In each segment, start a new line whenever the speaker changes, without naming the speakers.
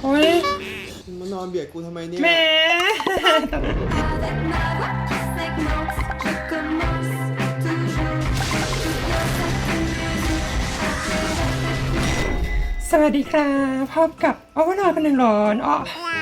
โอ้ย
มานอนเบียดกูทำไมเนี่ย
แหมสวัสดีครับพบกับโอเวอร์ลอดคนหนึ่งหลอนอ๋อ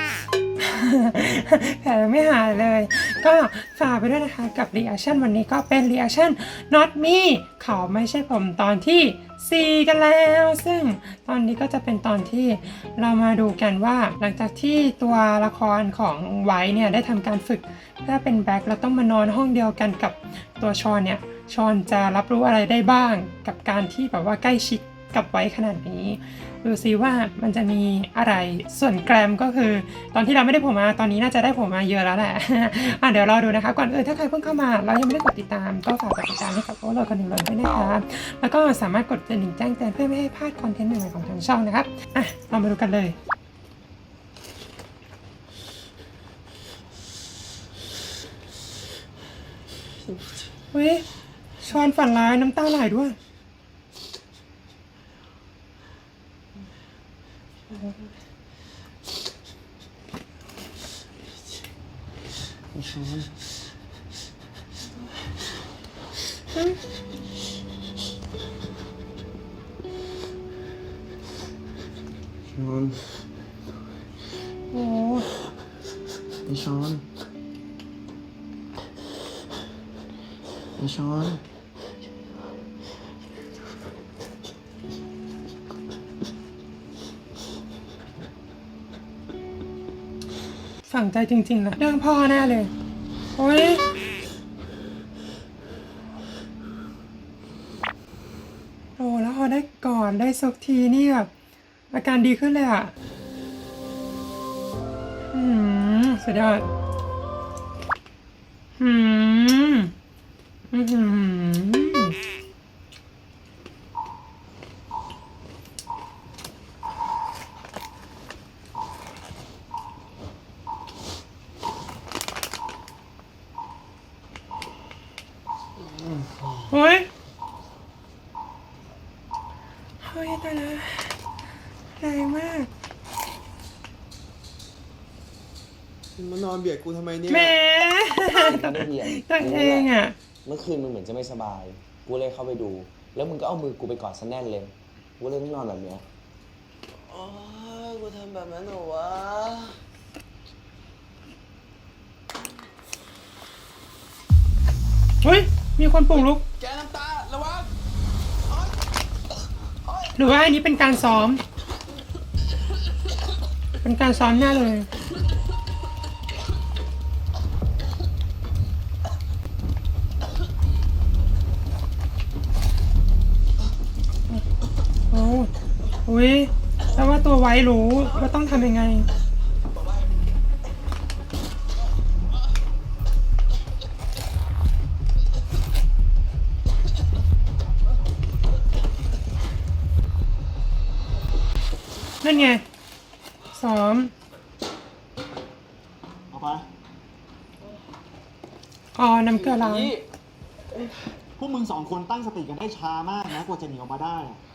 แผลไม่หายเลย ก็ฝากไปด้วยนะคะกับ reaction วันนี้ก็เป็น reaction not me เขาไม่ใช่ผมตอนที่ 4 กันแล้ว ซึ่งตอนนี้ก็จะเป็นตอนที่เรามาดูกันว่าหลังจากที่ตัวละครของไวท์เนี่ยได้ทำการฝึกเพื่อเป็นแบ็คแล้วต้องมานอนห้องเดียวกันกับตัวชอนเนี่ยชอนจะรับรู้อะไรได้บ้างกับการที่แบบว่าใกล้ชิดกับไว้ขนาดนี้ดูซิว่ามันจะมีอะไรส่วนแกรมก็คือตอนที่เราไม่ได้ผมมาตอนนี้น่าจะได้ผมมาเยอะแล้วแหละ เดี๋ยวรอดูนะคะก่อนอื่นถ้าใครเพิ่งเข้ามาเรายังไม่ได้กดติดตามก็ฝากกดติดตามให้กับโอเวอร์โหลดคนหนึ่งเลยด้วยนะคะแล้วก็สามารถกดกระดิ่งแจ้งเตือนเพื่อไม่ให้พลาดคอนเทนต์ใหม่ๆของทางช่องนะครับเรามาดูกันเลยเฮ้ยชอนฝันร้ายน้ำตาไหลด้วย
ชอน
โอ้
ไอชอนไอชอน
ฝังใจจริงๆนะเรื่องพ่อแน่เลยโอ้ยโอ้แล้วพอได้กอดได้ซกทีนี่แบบอาการดีขึ้นเลยอ่ะสุดยอดเฮ้ยตายแล้วแรงมาก
มานอนเบียดกูทำไมเนี่ย
แหม
ไม่เหียน
ตัวเองอ่ะ
เมื่อคืนมึงเหมือนจะไม่สบาย กูเลยเข้าไปดู แล้วมึงก็เอามือกูไปกอดซะแน่นเลย กูเลยต้องนอนแบบเนี้ยโอ้ยกูทำแบบนั้นเหรอวะ
เฮ้ยมีคนปลุกลุก
แกน้ำตา ระวัง
หรือว่าอันนี้เป็นการซ้อม เป็นการซ้อมแน่เลยโอ้อุ้ยแล้วว่าตัวไว้รู้ว่าต้องทำยังไงนั่นไงซ้อม
เอาไป
น้ำเกลือล้าง
พวกมึงสองคนตั้งสติกันได้ช้ามากนะกว่าจะหนีออกมาได้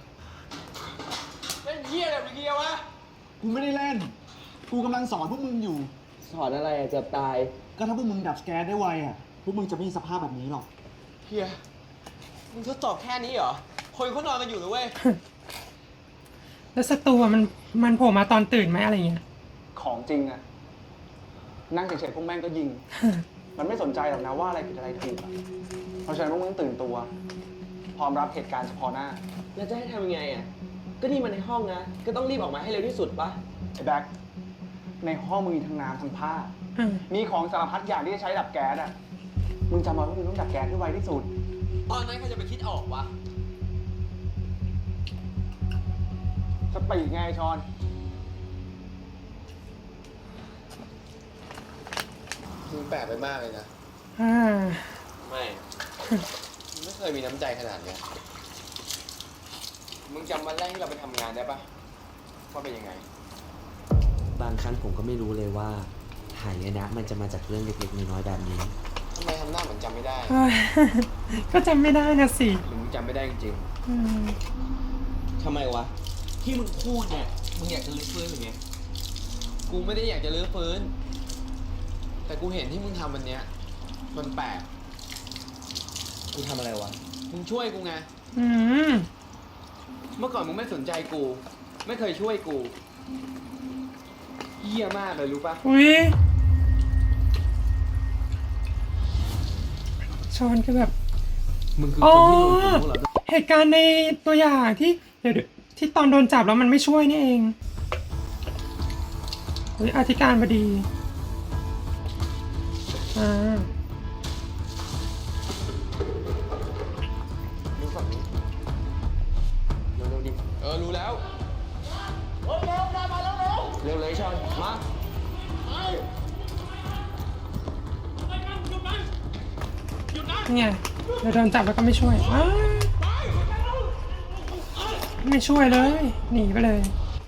เล่นเหี้ยอะไรเมื่อกี้วะ
กูไม่ได้เล่นกูกำลังสอนพวกมึงอยู่
สอนอะไรอะเกือบตาย
ก็ถ้าพวกมึงดับสแกนได้ไวอ่ะพวกมึงจะไม่มีสภาพแบบนี้หรอก
เฮียมึงทดสอบแค่นี้เหรอ คนเขานอนกันอยู่นะเว้ย
แล้วศัตรูมันโผล่มาตอนตื่นไหมอะไรเงี้ย
ของจริงอะนั่งเฉยๆพวกแม่งก็ยิง มันไม่สนใจหรอกนะว่าอะไรผิดอะไรถูกอะเพราะฉะนั้นพวกมึงตื่นตัว พร้อมรับเหตุการณ์เฉพาะหน้า
แล้วจะให้ทำยังไงอ่ะ ก็นี่มันในห้องนะ ก็ต้องรีบออกมาให้เร็วที่สุดปะ
ไอ้แบ็คในห้องมึงมีทั้งน้ำทั้งผ้า มีของสารพัดอย่างที่จะใช้ดับแก๊สอะมึงจำไว้ว่ามึงต้องดับแก๊สให้ไวที่สุด
ตอนนั้นใครจะไปคิดออกวะ
สปีดไงชอน
มึงแปลกไปมากเลยนะ ไม่ มึงไม่เคยมีน้ำใจขนาดเนี้ย มึงจำวันแรกที่เราไปทำงานได้ปะว่าเป็นยังไง
บางครั้งผมก็ไม่รู้เลยว่าหายนะมันจะมาจากเรื่องเล็กๆน้อยๆแบบนี้
ทำไมทำหน้าเหมือนจำไม่ได้
ก็จำไม่ได้นะสิ
หรือมึงจำไม่ได้จริงๆทำไมวะ ที่มึงพูดเนี่ย มึงอยากจะลื้อฟื้นหรือไง
กูไม่ได้อยากจะรื้อฟื้น แต่กูเห็นที่มึงทำวันเนี้ยมันแปลก
กูทำอะไรวะ
มึงช่วยกูไง
อืม
เมื่อก่อนมึงไม่สนใจกู ไม่เคยช่วยกูเหี้ยมากเลยรู้ปะ
อุ้ยชอนก็แบบ
มึงคือ
อ๋
ค
อ
นที่โดนกูเหรอ
เหตุการณ์ในตัวอย่างที่เดี๋ยวที่ตอนโดนจับแล้วมันไม่ช่วยนี่เองอุ้ยอธิการบดีอ่า
ดูฝั่งนี้เร็วๆดิ รู้แล้ว
เร็วเลยชอน มา
ไงเดี๋ยวโดนจับแล้วก็ไม่ช่วยอ้าวไม่ช่วยเลย หนีไปเลย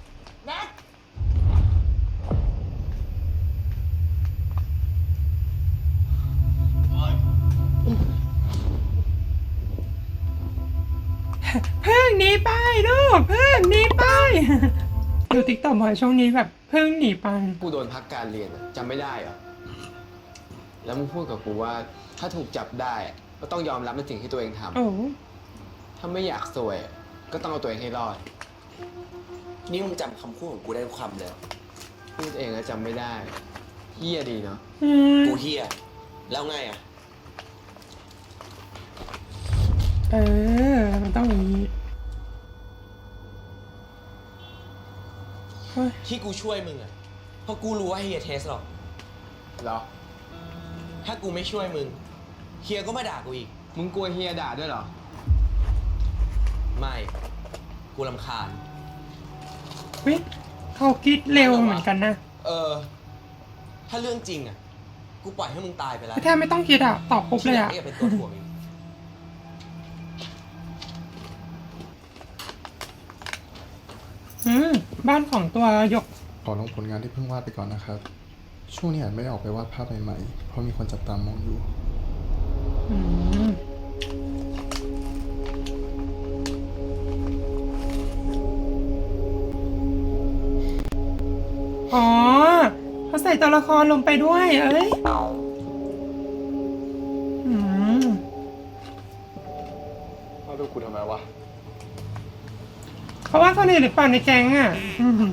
เพิ่งหนีไปลูกเพิ่งหนีไป ดูติ๊กต็อกบ่อยช่วงนี้แบบเพิ่งหนีไป
กูโดนพักการเรียนอะจำไม่ได้เหรอ แล้วมึงพูดกับกูว่า ถ้าถูกจับได้อะก็ต้องยอมรับในสิ่งที่ตัวเองทำ
โอ้
ถ้าไม่อยากซวยอะก็ต้องเอาตัวเองให้รอด
นี่มึงจำคำพูดของกูได้ทุกคำเลย
พูดเองแล้วจำไม่ได้เฮี้ยดีเนาะ
อืม
กูเฮียแล้วไงอ่ะ
เออ มันต้องอย่างนี้เฮ้ย
ที่กูช่วยมึงอ่ะ เพราะกูรู้ว่าเฮียเทสหรอก
เหรอ
ถ้ากูไม่ช่วยมึง เฮียก็มาด่ากูอีก
มึงกลัวเฮียด่าด้วยเหรอ
ไม่ กูรำคาญ
วิเขาคิดเร็วเหมือนกันนะ
ถ้าเรื่องจริงอ่ะ กูปล่อยให้มึงตายไปแล้ว
แทบไม่ต้องคิดอ่ะ ตอบปุ๊บ
ที่
เลย
หลัง
อ่ะ
เนี่ยเป็นตัวถ่วงอีก
บ้านของตัวหยก
ขอลงผลงานที่เพิ่งวาดไปก่อนนะครับ ช่วงนี้อาจไม่ได้ออกไปวาดภาพใหม่ๆ เพราะมีคนจับตามองอยู่
อืมอ๋อเขาใส่ตัวละครลงไปด้วย เอ้ยอืม
มาดูกูทำไมวะ
เขาว่าคนอื่นหรือเปล่าในแก๊งอ่ะอืม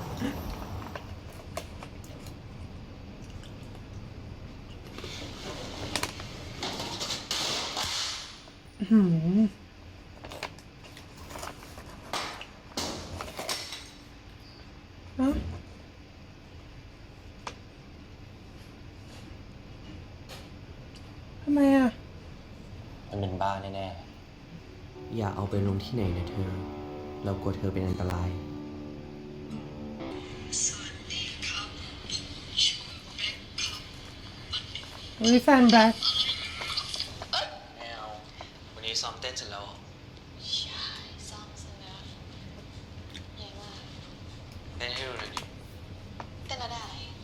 อืมเอ้าทำไมอ่ะ
มันเป็นบ้าแน่
อย่าเอาไปลงที่ไหนนะเธอ เรากลัวเธอเป็นอันตราย
อุ้ยแฟนแบล็ค
ๆแมววันนี้ซ้อมเต้นเสร็จแล้วเหรอ
ใช่ซ้อมเสร็จแล้วใหญ่มาก
เต้นให้ดูหน่อยดิ
เต้นแล้วได้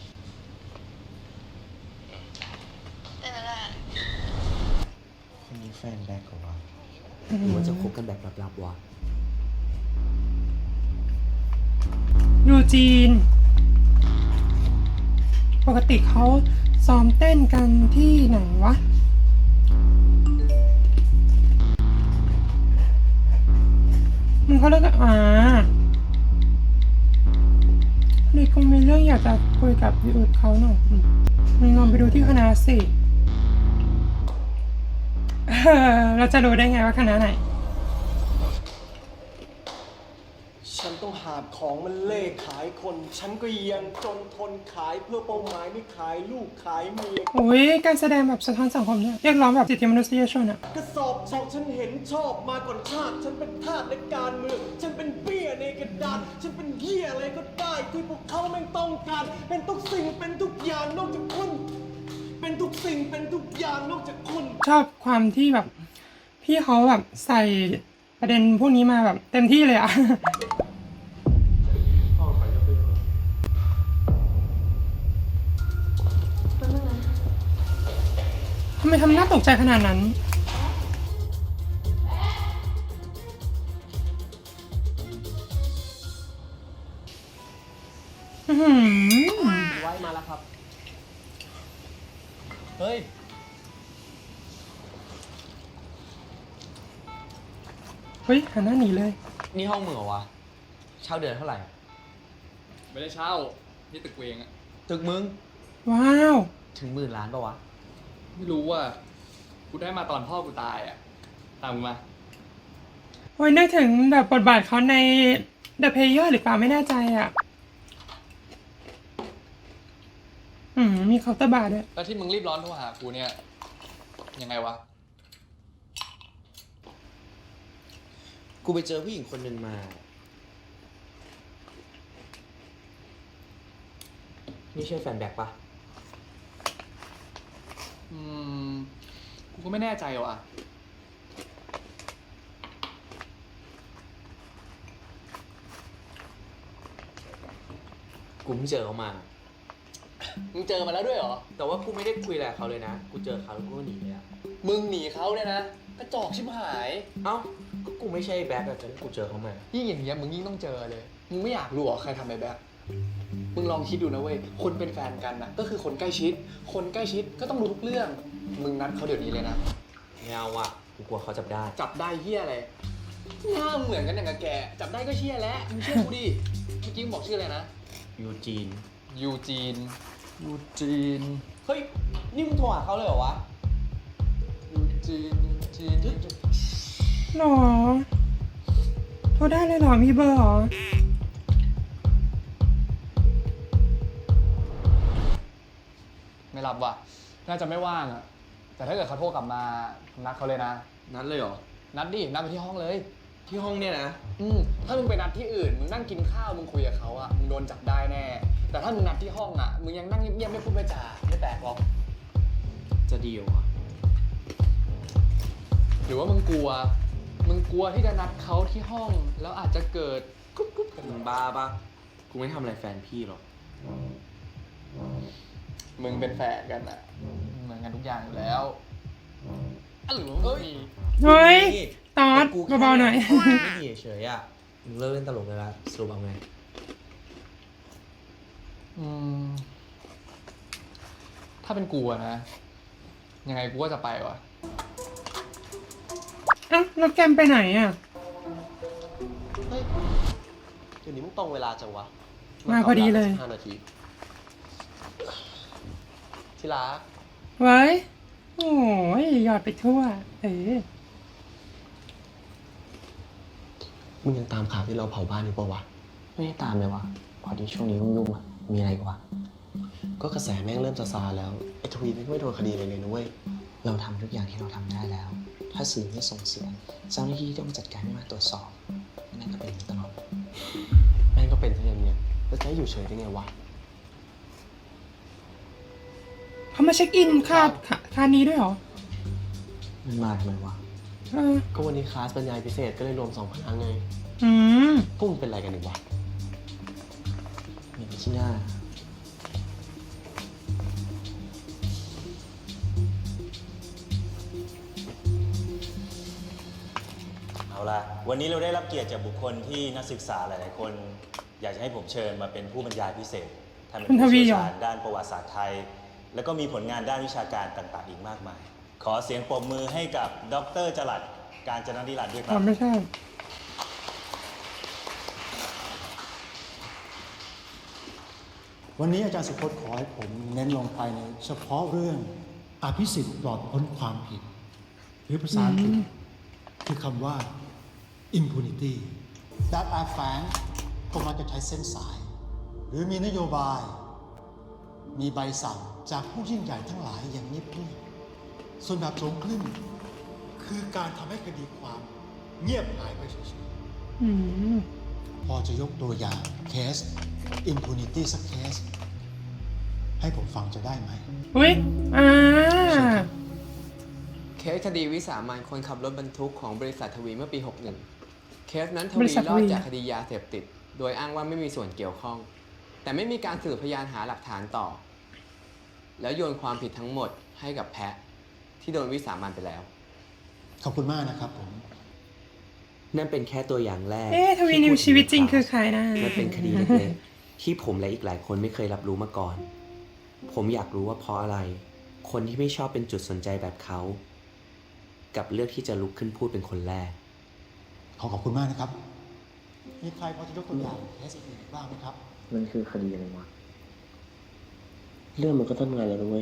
เต้นแล้วได้
คนนี้แฟนแบ็คของเรา
หรือว่าจะคบกันแบบลับๆวะ
ยูจีน ปกติเขาซ้อมเต้นกันที่ไหนวะ มึงเขาเลิกกันนี่คงมีเรื่องอยากจะคุยกับพี่อุดเขาหน่อยมึงลองไปดูที่คณะสิเราจะรู้ได้ไงว่าคณะไหน
ฉันต้องหาของมันเล่ขายคน ฉันก็ยังจนทนขายเพื่อเป้าหมายไม่ขายลูกขายเมีย
โอ้ยการแสดงแบบสะท้อนสังคมเนี่ยเรียกร้องแบบสิทธิมนุษยชนอะ
กระสอบทองฉันเห็นชอบมาก่อนชาติ ฉันเป็นทาสในการเมือง ฉันเป็นเบี้ยในกระดาน ฉันเป็นเหี้ยอะไรก็ได้ที่พวกเขาไม่งต้องการ เป็นทุกสิ่งเป็นทุกอย่างนอกจากคุณ เป็นทุกสิ่งเป็นทุกอย่างนอกจากคุณ
ชอบความที่แบบ พี่เขาแบบใส่ประเด็นพวกนี้มาแบบเต็มที่เลยอะ ทำไมทำหน้าตกใจขนาดนั้นอื้อหือ
ไว้มาแล้วครับ เฮ้ย
เฮ้ยหันหน้าหนีเลย
นี่ห้องมึงเหรอวะ เช่าเดือนเท่าไหร่อะ
ไม่ได้เช่า นี่ตึกเวงอะ
ตึกมึง
ว้าว
ถึง10,000,000ปะวะ
ไม่รู้ว่า กูได้มาตอนพ่อกูตายอะตามกูมา
โอ้ยนึกถึงแบบบทบาทเขาใน The Player หรือเปล่าไม่แน่ใจอ่ะ มีเคาน์เตอร์บาร์ด้วย
แล้วที่มึงรีบร้อนโทรหากูเนี่ย ยังไงวะ
กูไปเจอผู้หญิงคนหนึ่งมา นี่ใช่แฟนแบ็คปะ
กูก็ไม่แน่ใจว่ะ
กูเพิ่งเจอเขามา
มึงเจอมาแล้วด้วยเหรอ
แต่ว่ากูไม่ได้คุยอะไรกับเขาเลยนะ กูเจอเขาแล้วกูก็หนีเลยอะ
มึงหนีเขาเนี่ยนะ กระจอกชิบหาย
เอ้า ก็กูไม่ใช่แบ็คอะจนกูเจอเขามา
ยิ่งอย่างเงี้ยมึงยิ่งต้องเจอเลย มึงไม่อยากรู้เหรอใครทำไอ้แบบ มึงลองคิดดูนะเว้ย คนเป็นแฟนกันนะก็คือคนใกล้ชิด คนใกล้ชิดก็ต้องรู้ทุกเรื่อง มึงนัดเขาเดี๋ยวนี้เลยนะ
ไม่เอาอะกูกลัวเขาจับได้
จับได้เฮียอะไรหน้าเหมือนกันอย่างกับแก จับได้ก็เชี่ยแล้วมึงเชื่อกูดิ เมื่อกี้มึงบอกชื่ออะไรนะ
ยูจีน
ยูจีน ยูจีน
เฮ้ย นี่มึงโทรหาเขาเลยเหรอวะ
ยูจีน ยูจีน
หรอ โทรได้เลยเหรอ มีเบอร์เหรอ
ไม่รับว่ะ น่าจะไม่ว่างอะแต่ถ้าเกิดเขาโทรกลับมา นัดเขาเลยนะ
นัดเลยเหรอ
นัดดิ นัดไปที่ห้องเลย
ที่ห้องเนี่ยนะ
ถ้ามึงไปนัดที่อื่น มึงนั่งกินข้าว มึงคุยกับเขาอะมึงโดนจับได้แน่ แต่ถ้ามึงนัดที่ห้องอะมึงยังนั่งเงียบๆไม่พูดไม่จาไม่แปลกหรอก
จะดีเหรอวะ
หรือว่ามึงกลัว มึงกลัวที่จะนัดเขาที่ห้อง แล้วอาจจะเกิดกุ๊บกุ๊บ
มึงบ้าปะกูไม่ทำอะไรแฟนพี่หรอก
มึงเป็นแฟนกันอะเหมือนกันทุกอย่างอยู่แล้วอ่ะหรือว่ามึงมี
เฮ้ย
นี่
ตอด
กูแค่
เบาๆหน่อย
ไม่ดีเฉยๆอะมึงเลิกเล่นตลกเลยละสรุปเอาไง
ถ้าเป็นกูอะนะ ยังไงกูก็จะไปว่ะ
เอ้าแล้วแกมไปไหนอ่ะ
เฮ้ย เดี๋ยวนี้มึงตรงเวลาจังวะ
มาพอดีเลย
5 นาที ที่รัก
ไว้ โอ้ยหยอดไปทั่ว
มึงยังตามข่าวที่เราเผาบ้านอยู่ปะวะ
ไม่ได้ตามเลยวะพอดีช่วงนี้ยุ่งๆอะมีอะไรกว่า
ก็กระแสแม่งเริ่มซาซาแล้ว ไอ้ทวีแม่งไม่โดนคดีเลยนะเว้ย
เราทำทุกอย่างที่เราทำได้แล้ว ถ้าสื่อไม่ส่งเสียงเจ้าหน้าที่ต้องจัดการให้มาตรวจสอบนั่นก็เป็นอย่างนี้ตลอด
แม่งก็เป็นซะอย่างเนี้ยแล้วจะให้อยู่เฉยได้ไงวะ
เขามาเช็คอินคานี้ด้วยเหรอ
มันมาทำไมวะ
เออ
ก็วันนี้คลาสบรรยายพิเศษก็เลยรวม2 คณะไง
อืม
พวกมึงเป็นอะไรกันอีกวะ
มีที่หน้า
เอาล่ะ วันนี้เราได้รับเกียรติจากบุคคลที่นักศึกษาหลาย ๆ คน อยากจะให้ผมเชิญมาเป็นผู้บรรยายพิเศษท่านเป็นผู้เชี่ยวชาญด้านประวัติศาสตร์ไทย แล้วก็มีผลงานด้านวิชาการต่าง ๆ อีกมากมาย ขอเสียงปรบมือให้กับดร.จรัสกาญจนนิรันดร์ด้วยค
อ๋
รั
อบ ไม่ใช่
วันนี้อาจารย์สุพจน์ขอให้ผมเน้นลงไปในเฉพาะเรื่องอภิสิทธิ์ปลอดพ้นความผิด หรือภาษาอังกฤษคือคำว่า impunity ด้านอาแฝงก็มักจะใช้เส้นสาย หรือมีนโยบาย มีใบสั่งจากผู้ยิ่งใหญ่ทั้งหลายอย่างเงียบๆส่วนแบบโจงครึ่มคือการทำให้คดีความเงียบหายไปเฉยๆ
อืม
พอจะยกตัวอย่างเคส impunity สักเคส ให้ผมฟังจะได้ไหม
อุ้ย
เคสคดีวิสามันคนขับรถบรรทุกของบริษัททวีเมื่อปี 61 เคสนั้นท
บริ
วี
ษัท
ร
ท
อ
วี
ดจากคดียาเสพติด โดยอ้างว่าไม่มีส่วนเกี่ยวข้อง แต่ไม่มีการสืบพยานหาหลักฐานต่อ แล้วโยนความผิดทั้งหมดให้กับแพะที่โดนวิสามันไปแล้ว
ขอบคุณมากนะครับผม
นั่นเป็นแค่ตัวอย่างแรก
ทวีนิวชีวิตจริงคือใครนะ
มันเป็นคดีเล็กที่ผมและอีกหลายคนไม่เคยรับรู้มาก่อน ผมอยากรู้ว่าเพราะอะไร คนที่ไม่ชอบเป็นจุดสนใจแบบเขากับเลือกที่จะลุกขึ้นพูดเป็นคนแรก
ขอบคุณมากนะครับ มีใครพอจะยกตัวอย่างเคสอื่นบ้างไหมครับ
มันคือคดีอะไรวะ เรื่องมันก็ต้นงานแล้วด้วย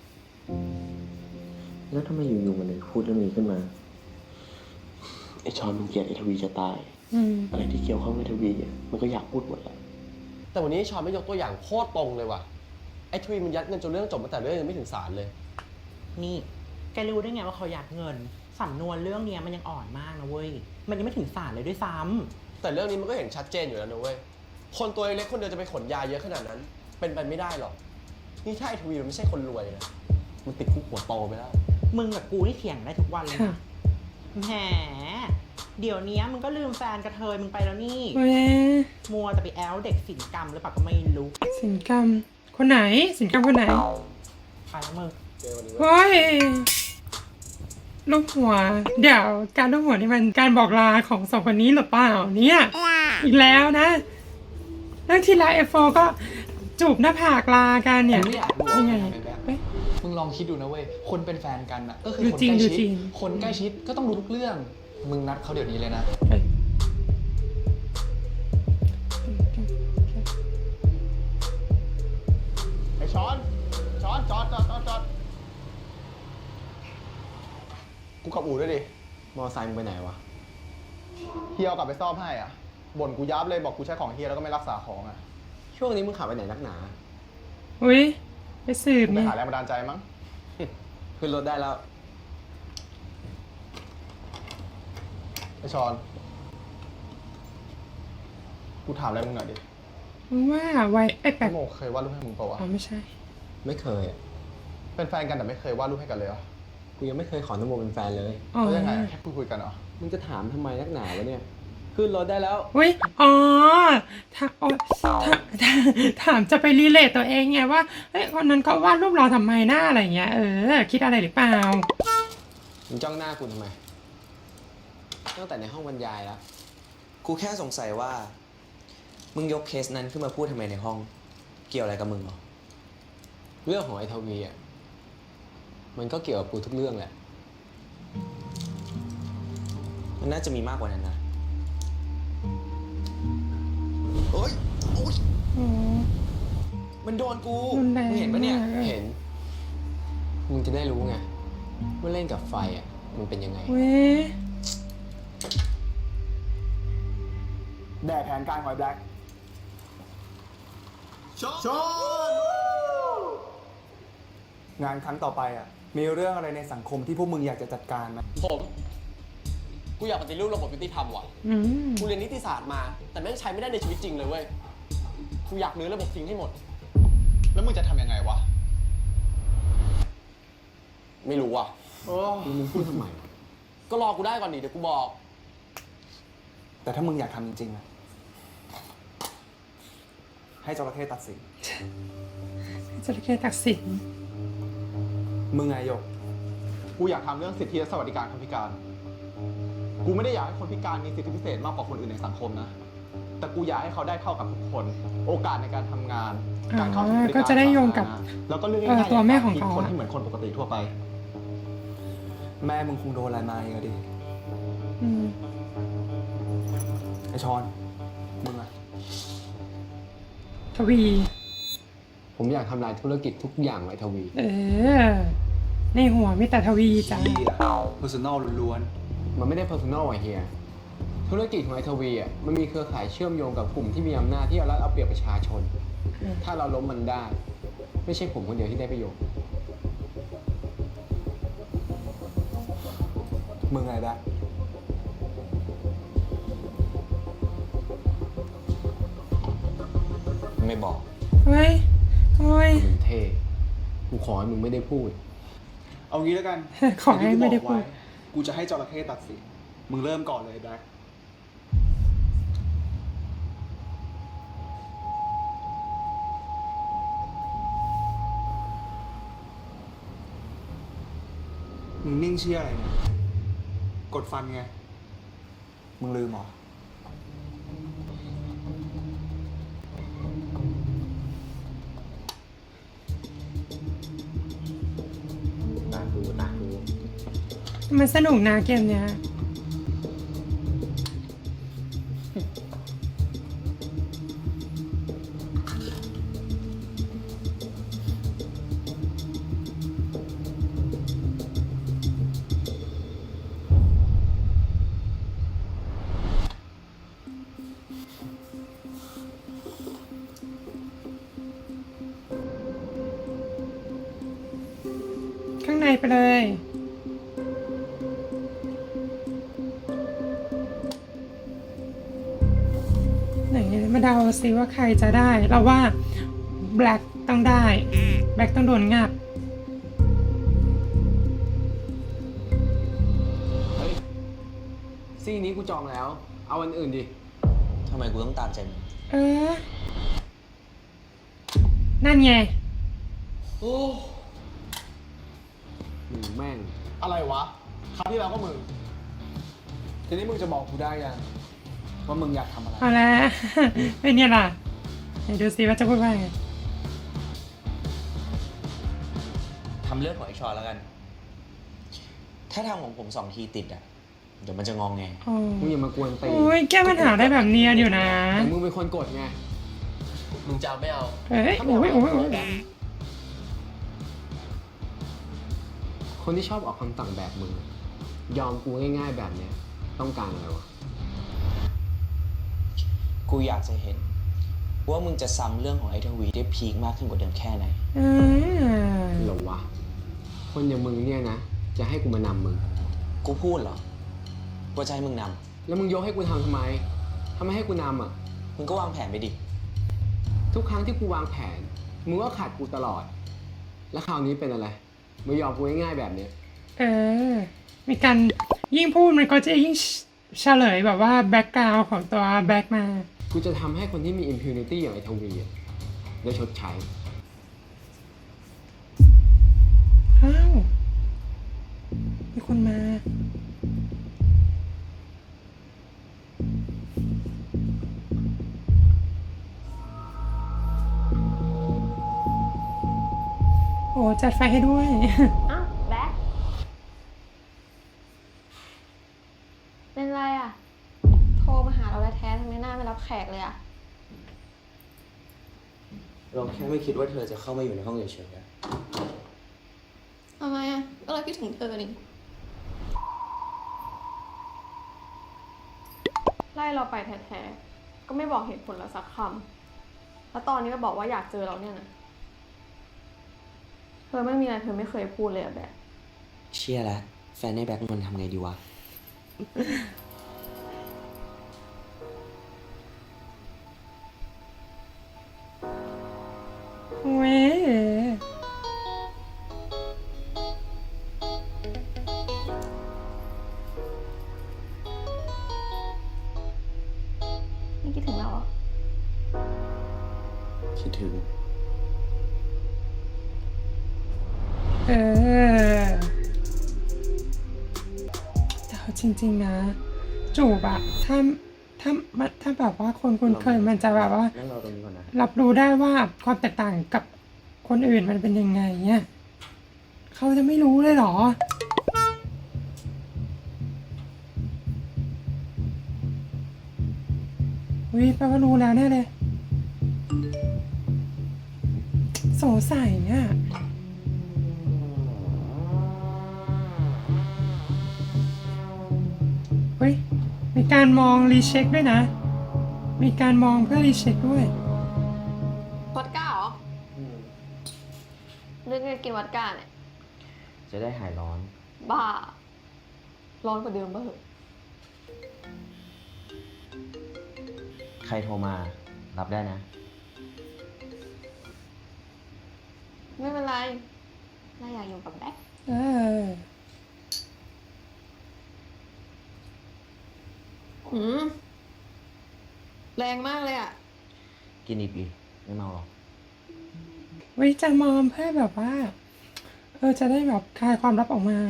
แล้วทำไมอยู่ๆมันถึงพูดเรื่องนี้ขึ้นมา ไอชอนมันเกลียดไอทวีจะตาย อะไรที่เกี่ยวข้องกับไอทวีอ่ะมันก็อยากพูดหมดแหละ
แต่วันนี้ชอนไม่ยกตัวอย่างโคตรตรงเลยว่ะ ไอ้ทวีมันยัดเงินจนเรื่องจบมาแต่เรื่องยังไม่ถึงศาลเลย
นี่แกรู้ได้ไงว่าเขายัดเงินสำนวนเรื่องเนี้ยมันยังอ่อนมากนะเว้ยมันยังไม่ถึงศาลเลยด้วยซ้ำ
แต่เรื่องนี้มันก็เห็นชัดเจนอยู่แล้วนะเว้ย คนตัวเล็กคนเดียวจะไปขนยาเยอะขนาดนั้น เป็นไปไม่ได้หรอก นี่ถ้าไอ้ทวีมันไม่ใช่คนรวยนะ มันติดคุกหัวโตไปแล้ว
มึงกับกูนี่เถียงได้ทุกวันเลยนะแหมเดี๋ยวนี้มึงก็ลืมแฟนกระเทยมึงไปแล้วนี่
เว้ย
มัวแต่ไปแอลเด็กศิลปกรรมหรือเปล่าก็ไม่รู้
สินกรรมคนไหนสินกรรมคนไหน
ไปแล้วมึง
เฮ้ยลูกหัว เดี๋ยวการลูกหัวนี่มันการบอกลาของสองคนนี้หรือเปล่าเนี่ยอีกแล้วนะเรื่องที่แล้วF4ก็จูบหน้าผากลากันเนี่ย
มึงไม่อยากรู้ว่า
ยังไง
ใครทำไอ้แบ็ค
เฮ้ย
มึงลองคิดดูนะเว้ย คนเป็นแฟนกันนะก็คือ
ดู
คน
จริง
ใกล้
ดู
ชิ
จริ
ด
ง
คนใกล้ชิดก็ต้องรู้ทุกเรื่อง มึงนัดเขาเดี๋ยวนี้เลยนะ
เฮ้ย
ไอช้อนจอดกูขับอู่ด้วยดิ
มอไซค์มึงไปไหนวะ
เฮียเอากลับไปซ่อมให้อ่ะ บ่นกูยับเลยบอกกูใช้ของเฮียแล้วก็ไม่รักษาของอ่ะ
ช่วงนี้มึงขับไปไหนนักหนา
อุ้ยไปสืบ
กูไป
เนี่ย
หาแรงบันดาลใจมั้ง
ขึ้นรถได้แล้ว
ไอชอน กูถามอะไรมึงหน่อยดิ
มึงว่าไว้ไอ้แปลก
โมเคยวาดรูปให้มึงเปล่าวะ
อ๋อไม่ใช่
ไม่เคยอ่ะ
เป็นแฟนกันแต่ไม่เคยวาดรูปให้กันเลยเหรอ
กูยังไม่เคยขอนโมเป็นแฟนเลย
อ๋อ
แล้วยังไงแค่คุยกันเหรอ
มึงจะถามทำไมนักหนาวะเนี่ย ขึ้นรถได้แล้ว
อุ้ยอ๋อถามจะไปรีเลทตัวเองไงว่าเฮ้ยคนนั้นเขาวาดรูปเราทำไมหน้าอะไรเงี้ยคิดอะไรหรือเปล่า
มึงจ้องหน้ากูทำไม ตั้งแต่ในห้องบรรยายแล้ว
กูแค่สงสัยว่า มึงยกเคสนั้นขึ้นมาพูดทำไมในห้อง เกี่ยวอะไรกับมึงเหรอ
เรื่องของไอ้ทวีอ่ะ มันก็เกี่ยวกับกูทุกเรื่องแหละ
มันน่าจะมีมากกว่านั้นนะโอ๊ยโอ๊ย
อ๋อ
มันโดนกู
รุนแรง
มึงเห็นปะเนี่ย
มาก
เห็น มึงจะได้รู้ไงว่าเล่นกับไฟอ่ะ มันเป็นยังไง
เว้ย
แด่แผนการหอยแบล็คชนงานครั้งต่อไปอ่ะ มีเรื่องอะไรในสังคมที่พวกมึงอยากจะจัดการไหม
กูอยากปฏิรูประบบยุติธรรมว่ะ
อืม
กูเรียนนิติศาสตร์มา แต่แม่งใช้ไม่ได้ในชีวิตจริงเลยเว้ย กูอยากรื้อระบบทิ้งให้หมด
แล้วมึงจะทำยังไงวะ
ไม่รู้อ่ะ
มึงพูดทำไมวะ
ก็รอกูได้ก่อนดิเดี๋ยวกูบอก
แต่ถ้ามึงอยากทำจริงๆนะให้จระเข้ตัดสิน
จระเข้ตักสิน
มึงไงหยก กูอยากทำเรื่องสิทธิและสวัสดิการคนพิการ กูไม่ได้อยากให้คนพิการมีสิทธิพิเศษมากกว่าคนอื่นในสังคมนะ แต่กูอยากให้เขาได้เท่ากับทุกคน โอกาสในการทำงาน การเข้าถึงบริการ
ก็จะได้โยงกับ
สาธารณะแล้วก็เรื่องง่ายๆ
ตัวแม่ของเขา
คนที่เหมือนคนปกติทั่วไป แม่มึงคงโดนอะไรมาเยอะดิ
อืม
ไอชอน มึงอะ
ทวี
ผมอยากทำลายธุรกิจทุกอย่างไว้ทวี
ในหัวมีแต่ทวีจ้ะ
personal ล้วน
มันไม่ได้ personal ไอ้เฮียธุรกิจของไอ้ทวีอ่ะ มันมีเครือข่ายเชื่อมโยงกับกลุ่มที่มีอำนาจที่เอารัดเอาเปรียบประชาชน ถ้าเราล้มมันได้ ไม่ใช่ผมคนเดียวที่ได้ประโยชน์
ๆมึงไงได้
ไม่บอก
เฮ้ยเฮ้ย
มึงเท่ กูขอให้มึงไม่ได้พูด
เอางี้แล้วกัน
ขอให้ไม่ได้พูด
กูจะให้จระเข้ตัดสิน มึงเริ่มก่อนเลยแบล็คมึงนิ่งเชี่ยอะไรเนี่ย กดฟันไง มึงลืมเหรอ
มันสนุกนะเกมเนี้ย ข้างในไปเลย ไหนมาเดาซิว่าใครจะได้ เราว่าแบล็กต้องได้ แบล็กต้องโดนงับ
เฮ้ยซี่นี้กูจองแล้ว เอาอันอื่นดิ
ทำไมกูต้องตามใจมึง
เออ นั่นไง
โอ้
มึงแม่ง
อะไรวะ คราวที่แล้วก็มึง ทีนี้มึงจะบอกกูได้ยังว่ามึงอยากทำอะไร
เอาละ เป็นเนี่ยล่ะไหนดูซิว่าจะพูดว่าไง
ทำเรื่องของไอชอนแล้วกัน ถ้าทำของผม2 ทีติดอ่ะ เดี๋ยวมันจะงองแง
โอ้
มึงอย่ามากวนตี
โอ้ยแก้ปัญหาได้แบบเนียนอยู่นะ
แต่มึงเป็นคนกดไง
มึงจะเอาไม่เอา
เอ้ยโอ้ยโอ้ยโอ้ย
คนที่ชอบออกคำสั่งแบบมึง ยอมกูง่ายๆแบบเนี้ย ต้องการอะไรวะ
กูอยากจะเห็น ว่ามึงจะซ้ำเรื่องของไอทวีได้พีคมากขึ้นกว่าเดิมแค่ไหน
อ่า
หรอวะ คนอย่างมึงเนี่ยนะ จะให้กูมานำมึง
กูพูดเหรอว่าจะให้มึงน
แล้วมึงยกให้กูทำทำไมทำไมให้กูนำอ่ะ
ำมึงก็วางแผนไปดิ
ทุกครั้งที่กูวางแผน มึงก็ขาดกูตลอด แล้วคราวนี้เป็นอะไรมึงยอมกูง่ายๆแบบเนี้ย
เออ มีการยิ่งพูดมันก็จะยิ่งเฉลยแบบว่าแบ็กกราวของตัวแบ็กมา
กูจะทำให้คนที่มี impunity อย่างไอ้ทวีอะได้ชดใช้
อ้าว มีคนมา โอ้จัดไฟให้ด้วย
อ้าวแบ๊กเป็นไรอ่ะ โทรมาหาเราแท้ๆทำไมหน้าไม่รับแขกเลยอ่ะ
เราแค่ไม่คิดว่าเธอจะเข้ามาอยู่ในห้องเฉยๆอะ
ทำไมอ่ะ ก็เราคิดถึงเธอนี่ไล่เราไปแท้ๆ ก็ไม่บอกเหตุผลเราสักคำ แล้วตอนนี้ก็บอกว่าอยากเจอเราเนี่ยนะ เธอไม่มีอะไรเธอไม่เคยพูดเลยอะแบบ
เชี่ยแล้วแฟนในแบ็คมันทำไงดีวะ
เว้ย
ไม่คิดถึงเราเหรอ
คิดถึง
เออแต่เอาจริงๆนะ จูบอะถ้าแบบว่าคนคุ้นเคยมันจะแบบว่า
นั่งรอตรงนี้ก่อนนะ
รับรู้ได้ว่าความแตกต่างกับคนอื่นมันเป็นยังไงเนี่ยเขาจะไม่รู้เลยเหรอ วิแปลว่ารู้แล้วแน่เลย สงสัยเนี่ยเฮ้ย มีการมองรีเช็คด้วยนะ มีการมองเพื่อรีเช็คด้วย
วอดก้าเหรอเรื่องการกินวอดก้าเนี่ย
จะได้หายร้อน
บ้า ร้อนกว่าเดิมบ้าเหอะ
ใครโทรมา รับได้นะ
ไม่เป็นไรน่าอยากอยู่กับแบ๊ก
เออ
แรงมากเลยอ่ะ
กินอีกดิไม่เมาหรอก
วิจะมอมเพื่อแบบว่า จะได้แบบคลายความลับออกมา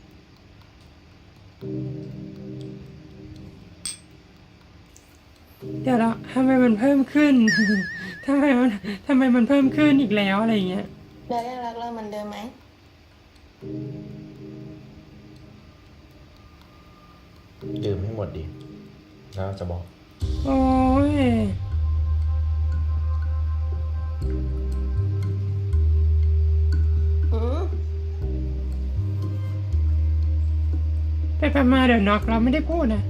เดี๋ยวเราทำไมมันเพิ่มขึ้น ทำไมมันเพิ่มขึ้นอีกแล้วอะไรอย่างเงี้ย
แบ๊กยังรักเราเหมือนเดิมไหม
ดื่มให้หมดดิแล้วจะบอก
โอ้ยไปมาเดี๋ยวน็อกเราไม่ได้พูดนะ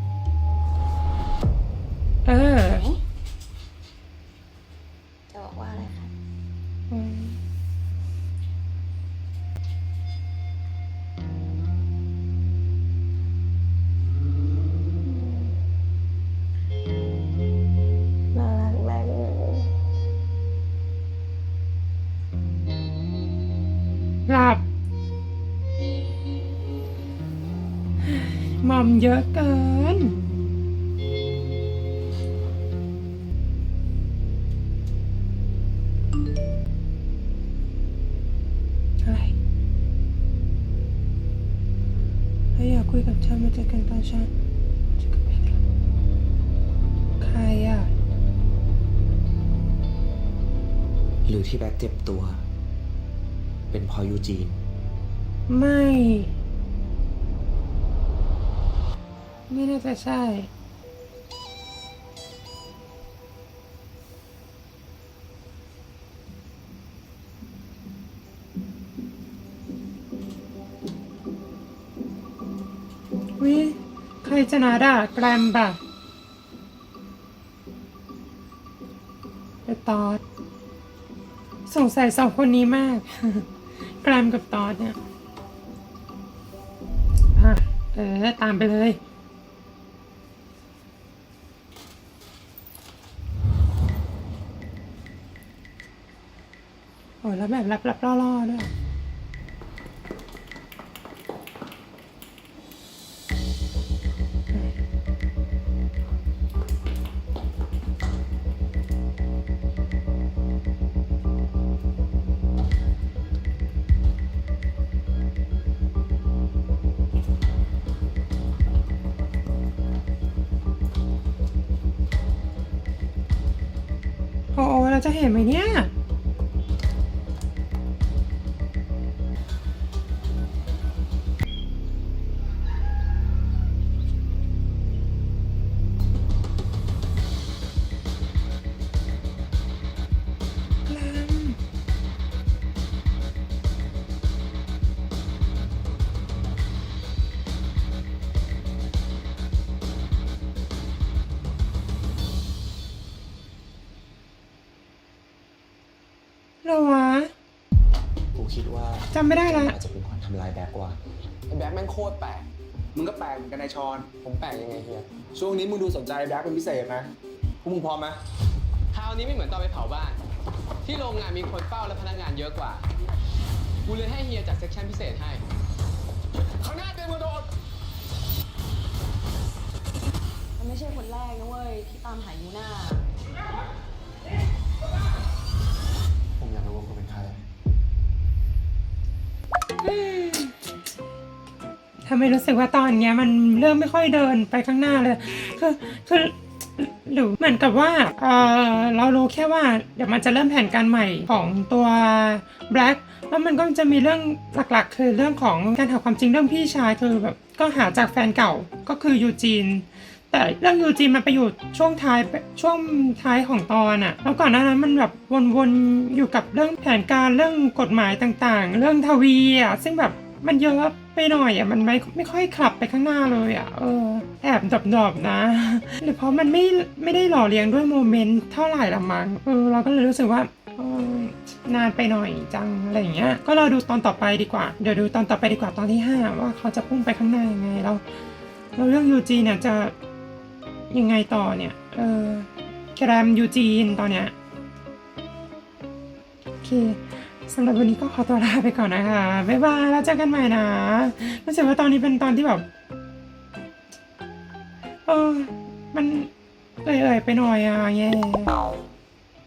จะบอกว่าอะไรคะ
อืม
น่ารักมากเลย
หลับมอมเยอะเกิน อะไรถ้าอยากคุยกับฉันมาเจอกันตอนเช้าจะกลับไปกันใครอ่ะ
หรือที่แบ็คเจ็บตัว เป็นเพอยูจีน
ไม่น่าจะใช่ วิใครจะนาด่าแกรมป่ะไปตอดสงสัยสองคนนี้มาก แกรมกับตอดเนี่ยตามไปเลย โอ้แล้วแบบลับๆล่อๆด้วย โอ้เราจะเห็นไหมเนี่ยเหรอวะ
กูคิดว่า
จำไม่ได้ละ
อาจจะเป็นคนทำลายแบ็กว่า
ไอ้แบ็คแม่งโคตรแปลก มึงก็แปลกเหมือนกันนายชอน
ผมแปลกยังไงเฮีย
ช่วงนี้มึงดูสนใจแบ็คเป็นพิเศษนะพวกมึงพร้อมไหม
คราวนี้ไม่เหมือนตอนไปเผาบ้าน ที่โรงงานมีคนเฝ้าและพนักงานเยอะกว่า กูเลยให้เฮียจัดเซกชันพิเศษให้
ข้างหน้าเต็มกระโดด
มันไม่ใช่คนแรกนะเว้ย ที่ตามหายูน่า
ผมอยากรู้ว่าคุณเป็นใคร
ทำไมรู้สึกว่าตอนเนี้ยมันเริ่มไม่ค่อยเดินไปข้างหน้าเลย คือหรือเหมือนกับว่าเรารู้แค่ว่าเดี๋ยวมันจะเริ่มแผนการใหม่ของตัว Black แล้วมันก็จะมีเรื่องหลักๆ คือเรื่องของการหาความจริงเรื่องพี่ชายคือแบบก็หาจากแฟนเก่าก็คือยูจีน แต่เรื่องยูจีนมันไปอยู่ช่วงท้ายของตอนอะแล้วก่อนหน้านั้นมันแบบวนๆอยู่กับเรื่องแผนการเรื่องกฎหมายต่างๆ เรื่องทวีอะซึ่งแบบมันเยอะไปหน่อยอะมันไม่ค่อยขับไปข้างหน้าเลยอะแอบดอบๆนะ หรือเพราะมันไม่ได้หล่อเลี้ยงด้วยโมเมนต์เท่าไหร่ละมั้งเราก็เลยรู้สึกว่านานไปหน่อยจังอะไรอย่างเงี้ยก็รอดูตอนต่อไปดีกว่าเดี๋ยวดูตอนต่อไปดีกว่าตอนที่ 5ว่าเขาจะพุ่งไปข้างหน้ายังไงแล้วเรื่องยูจีเนี่ยจะยังไงต่อเนี่ยแกรมยูจีนตอนเนี้ยโอเคสำหรับวันนี้ก็ขอตัวลาไปก่อนนะคะบ๊ายบายแล้วเจอกันใหม่นะรู้สึกว่าตอนนี้เป็นตอนที่แบบมันเอ่ยไปหน่อยแย่